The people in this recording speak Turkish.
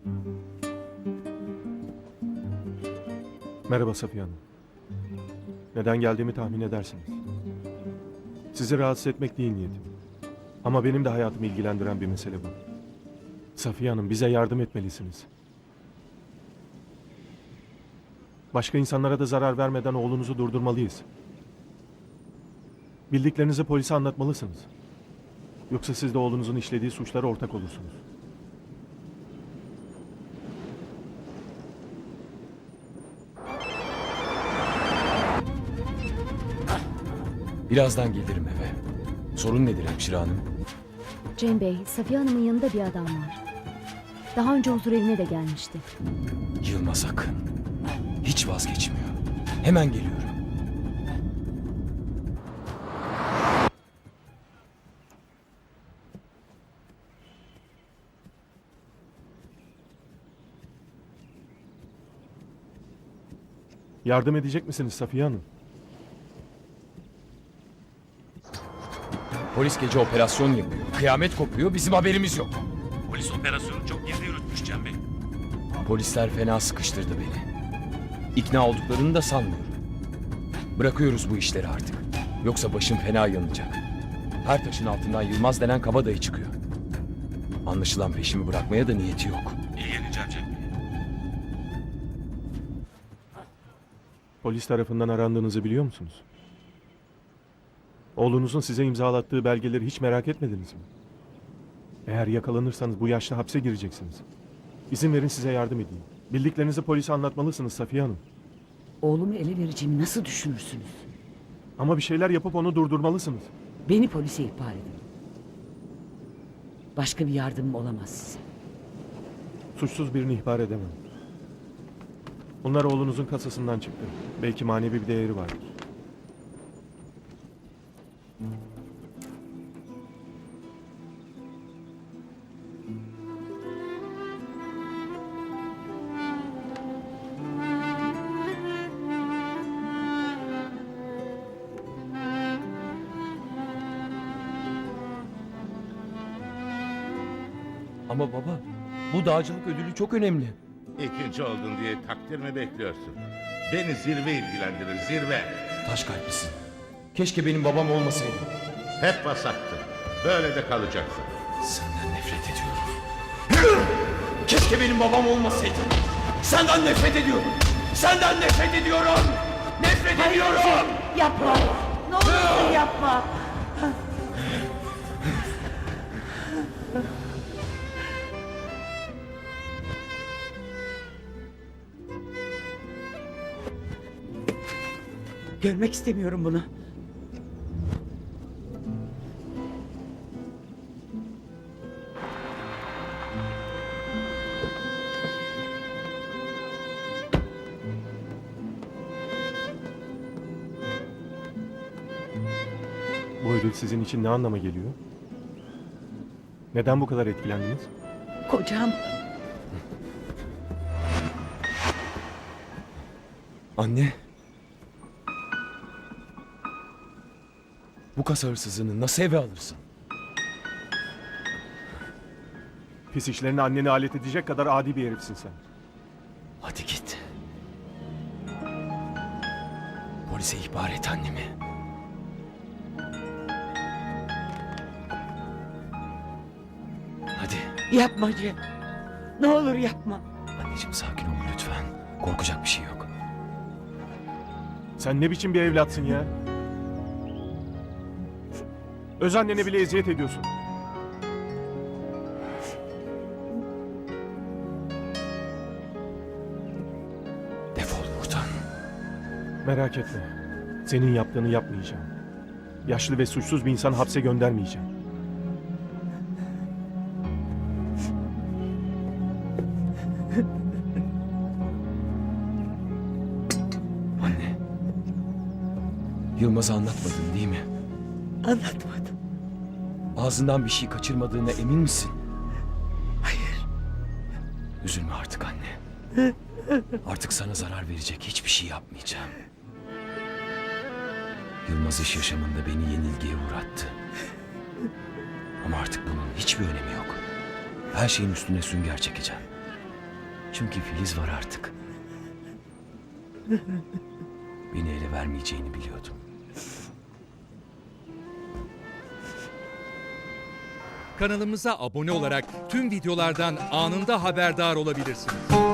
Merhaba Safiye Hanım. Neden geldiğimi tahmin edersiniz. Sizi rahatsız etmek değil niyetim. Ama benim de hayatımı ilgilendiren bir mesele bu. Safiye Hanım, bize yardım etmelisiniz. Başka insanlara da zarar vermeden oğlunuzu durdurmalıyız. Bildiklerinizi polise anlatmalısınız. Yoksa siz de oğlunuzun işlediği suçlara ortak olursunuz. Birazdan gelirim eve. Sorun nedir hemşire hanım? Cem Bey, Safiye Hanım'ın yanında bir adam var. Daha önce huzur evine de gelmişti. Yılmaz Akın. Hiç vazgeçmiyor. Hemen geliyorum. Yardım edecek misiniz Safiye Hanım? Polis gece operasyon yapıyor. Kıyamet kopuyor, bizim haberimiz yok. Polis operasyonu çok gizli yürütmüş Cem Bey. Polisler fena sıkıştırdı beni. İkna olduklarını da sanmıyorum. Bırakıyoruz bu işleri artık. Yoksa başım fena yanacak. Her taşın altından Yılmaz denen kabadayı çıkıyor. Anlaşılan peşimi bırakmaya da niyeti yok. İlgileneceğim Cem Bey. Polis tarafından arandığınızı biliyor musunuz? Oğlunuzun size imzalattığı belgeleri hiç merak etmediniz mi? Eğer yakalanırsanız bu yaşta hapse gireceksiniz. İzin verin size yardım edeyim. Bildiklerinizi polise anlatmalısınız Safiye Hanım. Oğlumu ele vereceğimi nasıl düşünürsünüz? Ama bir şeyler yapıp onu durdurmalısınız. Beni polise ihbar edin. Başka bir yardımım olamaz size. Suçsuz birini ihbar edemem. Bunlar oğlunuzun kasasından çıktı. Belki manevi bir değeri vardır. Ama baba, bu dağcılık ödülü çok önemli. İkinci oldun diye takdir mi bekliyorsun? Beni zirve ilgilendirir, zirve. Taş kalplisin. Keşke benim babam olmasaydı. Hep basaktın. Böyle de kalacaksın. Senden nefret ediyorum. Keşke benim babam olmasaydı. Senden nefret ediyorum. Senden nefret ediyorum. Nefret ediyorum. Yapma! Ne olursun yapma! Görmek istemiyorum bunu. Bu ödül sizin için ne anlama geliyor? Neden bu kadar etkilendiniz? Kocam Anne. Bu kasa hırsızını nasıl eve alırsın? Pis işlerine anneni alet edecek kadar adi bir herifsin sen. Hadi git. Polise ihbar et annemi. Hadi. yapma Cem. Ne olur yapma. Anneciğim sakin ol lütfen. Korkacak bir şey yok. Sen ne biçim bir evlatsın ya? Öz annene bile eziyet ediyorsun. Defol buradan. Merak etme. Senin yaptığını yapmayacağım. Yaşlı ve suçsuz bir insan hapse göndermeyeceğim. Anne. Yılmaz'a anlatmadın değil mi? Anlatmadım. Ağzından bir şey kaçırmadığına emin misin? Hayır. Üzülme artık anne. Artık sana zarar verecek hiçbir şey yapmayacağım. Yılmaz iş yaşamında beni yenilgiye uğrattı. Ama artık bunun hiçbir önemi yok. Her şeyin üstüne sünger çekeceğim. Çünkü Filiz var artık. Beni ele vermeyeceğini biliyordum. Kanalımıza abone olarak tüm videolardan anında haberdar olabilirsiniz.